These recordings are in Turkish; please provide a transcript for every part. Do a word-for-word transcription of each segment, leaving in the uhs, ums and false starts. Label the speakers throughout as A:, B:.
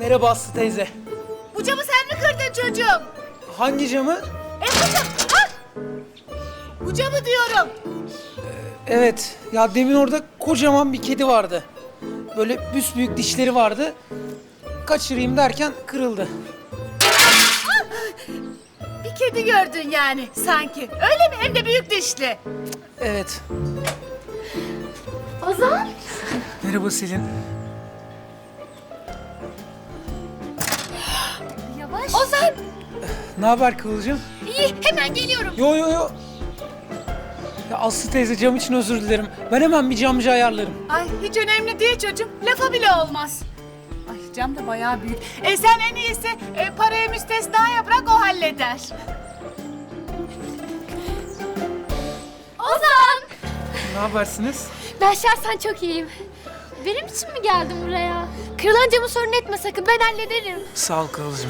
A: Merhaba Aslı teyze.
B: Bu camı sen mi kırdın çocuğum?
A: Hangi camı?
B: E bu cam... Ah! Bu camı diyorum.
A: Evet. Ya demin orada kocaman bir kedi vardı. Böyle büsbüyük dişleri vardı. Kaçırayım derken kırıldı.
B: Bir kedi gördün yani sanki. Öyle mi? Hem de büyük dişli.
A: Evet.
C: Ozan.
A: Merhaba Selin.
C: Yavaş. Ozan.
A: Ne haber Kıvılcım?
C: İyi, hemen geliyorum.
A: Yo yo yo. Ya Aslı teyze, cam için özür dilerim. Ben hemen bir camcı ayarlarım.
B: Ay hiç önemli değil çocuğum. Lafa bile olmaz. Ay cam da bayağı büyük. E sen en iyisi e, parayı müstesnaya bırak, o halleder.
C: Ozan.
A: Ne habersiniz?
C: Ben şahsen çok iyiyim. Benim için mi geldin buraya? Kırılan camı sorun etme sakın, ben hallederim.
A: Sağ ol Kıvılcım.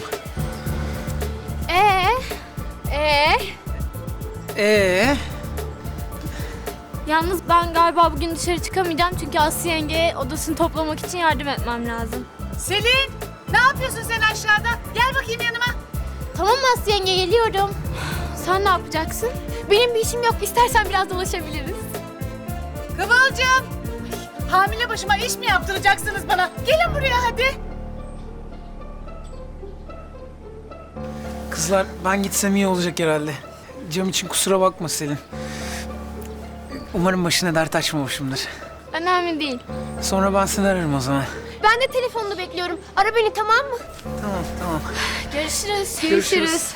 C: Ee? Ee?
A: Ee?
C: Yalnız ben galiba bugün dışarı çıkamayacağım çünkü Aslı yengeye odasını toplamak için yardım etmem lazım.
B: Selin, ne yapıyorsun sen aşağıda? Gel bakayım yanıma.
C: Tamam Aslı yenge, geliyorum. Sen ne yapacaksın? Benim bir işim yok, istersen biraz dolaşabiliriz.
B: Kıvılcım. Ay, hamile başıma iş mi yaptıracaksınız bana? Gelin buraya hadi.
A: Kızlar, ben gitsem iyi olacak herhalde. Cam için kusura bakma Selin. Umarım başına dert açmamışımdır.
C: Önemli değil.
A: Sonra ben seni ararım o zaman.
C: Ben de telefonunu bekliyorum. Ara beni, tamam mı?
A: Tamam, tamam.
C: Görüşürüz.
A: Görüşürüz.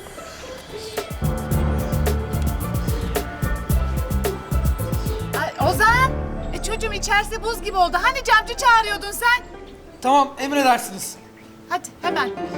B: Ay, Ozan. E, çocuğum içerisi buz gibi oldu. Hani camcı çağırıyordun sen?
A: Tamam, emredersiniz.
B: Hadi hemen.